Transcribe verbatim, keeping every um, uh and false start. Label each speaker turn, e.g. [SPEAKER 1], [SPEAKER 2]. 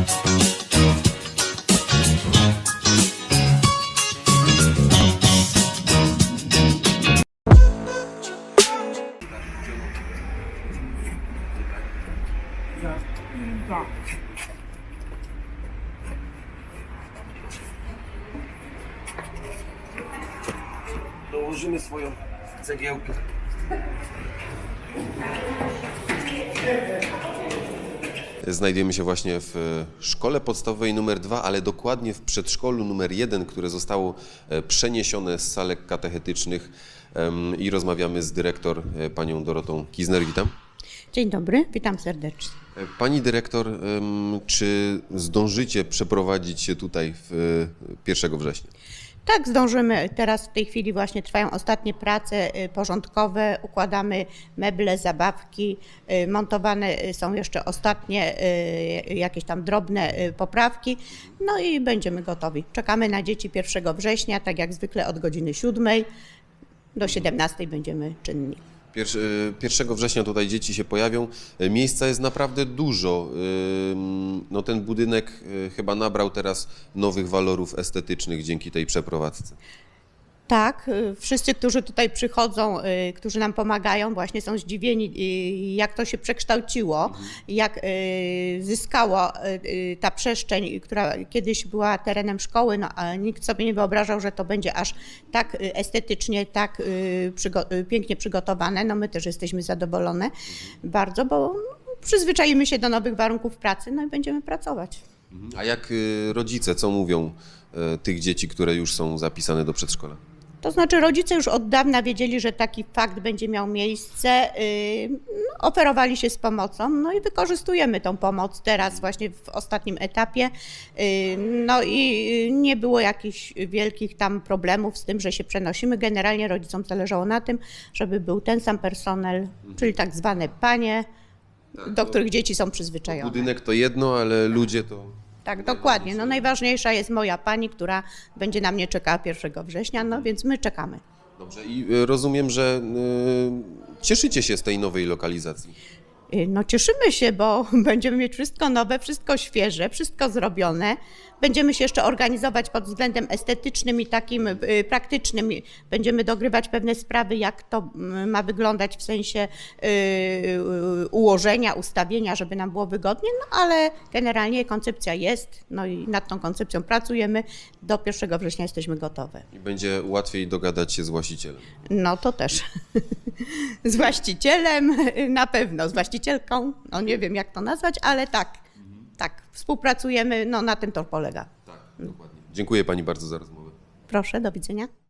[SPEAKER 1] Dołożymy swoją cegiełkę. Znajdujemy się właśnie w szkole podstawowej numer dwa, ale dokładnie w przedszkolu numer jeden, które zostało przeniesione z salek katechetycznych i rozmawiamy z dyrektor panią Dorotą Kizner. Witam.
[SPEAKER 2] Dzień dobry, witam serdecznie.
[SPEAKER 1] Pani dyrektor, czy zdążycie przeprowadzić się tutaj w pierwszego września?
[SPEAKER 2] Tak, zdążymy. Teraz w tej chwili właśnie trwają ostatnie prace porządkowe, układamy meble, zabawki, montowane są jeszcze ostatnie jakieś tam drobne poprawki, no i będziemy gotowi. Czekamy na dzieci pierwszego września, tak jak zwykle od godziny siódmej do siedemnastej będziemy czynni.
[SPEAKER 1] pierwszego września tutaj dzieci się pojawią. Miejsca jest naprawdę dużo. No, ten budynek chyba nabrał teraz nowych walorów estetycznych dzięki tej przeprowadzce.
[SPEAKER 2] Tak, wszyscy, którzy tutaj przychodzą, którzy nam pomagają, właśnie są zdziwieni, jak to się przekształciło, mhm. jak zyskała ta przestrzeń, która kiedyś była terenem szkoły, no, a nikt sobie nie wyobrażał, że to będzie aż tak estetycznie, tak przygo- pięknie przygotowane. No my też jesteśmy zadowolone mhm. bardzo, bo przyzwyczaimy się do nowych warunków pracy, no i będziemy pracować.
[SPEAKER 1] A jak rodzice, co mówią tych dzieci, które już są zapisane do przedszkola?
[SPEAKER 2] To znaczy rodzice już od dawna wiedzieli, że taki fakt będzie miał miejsce, yy, oferowali się z pomocą, no i wykorzystujemy tą pomoc teraz właśnie w ostatnim etapie. Yy, no i nie było jakichś wielkich tam problemów z tym, że się przenosimy. Generalnie rodzicom zależało na tym, żeby był ten sam personel, czyli tak zwane panie, tak, do których dzieci są przyzwyczajone.
[SPEAKER 1] Budynek to jedno, ale ludzie to...
[SPEAKER 2] Tak, dokładnie. No najważniejsza jest moja pani, która będzie na mnie czekała pierwszego września, no więc my czekamy.
[SPEAKER 1] Dobrze, i rozumiem, że y, cieszycie się z tej nowej lokalizacji.
[SPEAKER 2] No cieszymy się, bo będziemy mieć wszystko nowe, wszystko świeże, wszystko zrobione. Będziemy się jeszcze organizować pod względem estetycznym i takim y, praktycznym. Będziemy dogrywać pewne sprawy, jak to ma wyglądać w sensie y, y, ułożenia, ustawienia, żeby nam było wygodnie, no ale generalnie koncepcja jest, no i nad tą koncepcją pracujemy. Do pierwszego września jesteśmy gotowe.
[SPEAKER 1] I będzie łatwiej dogadać się z właścicielem.
[SPEAKER 2] No to też. Z właścicielem na pewno, z właścicielką, no nie wiem jak to nazwać, ale tak, mhm. tak, współpracujemy, no na tym to polega.
[SPEAKER 1] Tak, dokładnie. Dziękuję pani bardzo za rozmowę.
[SPEAKER 2] Proszę, do widzenia.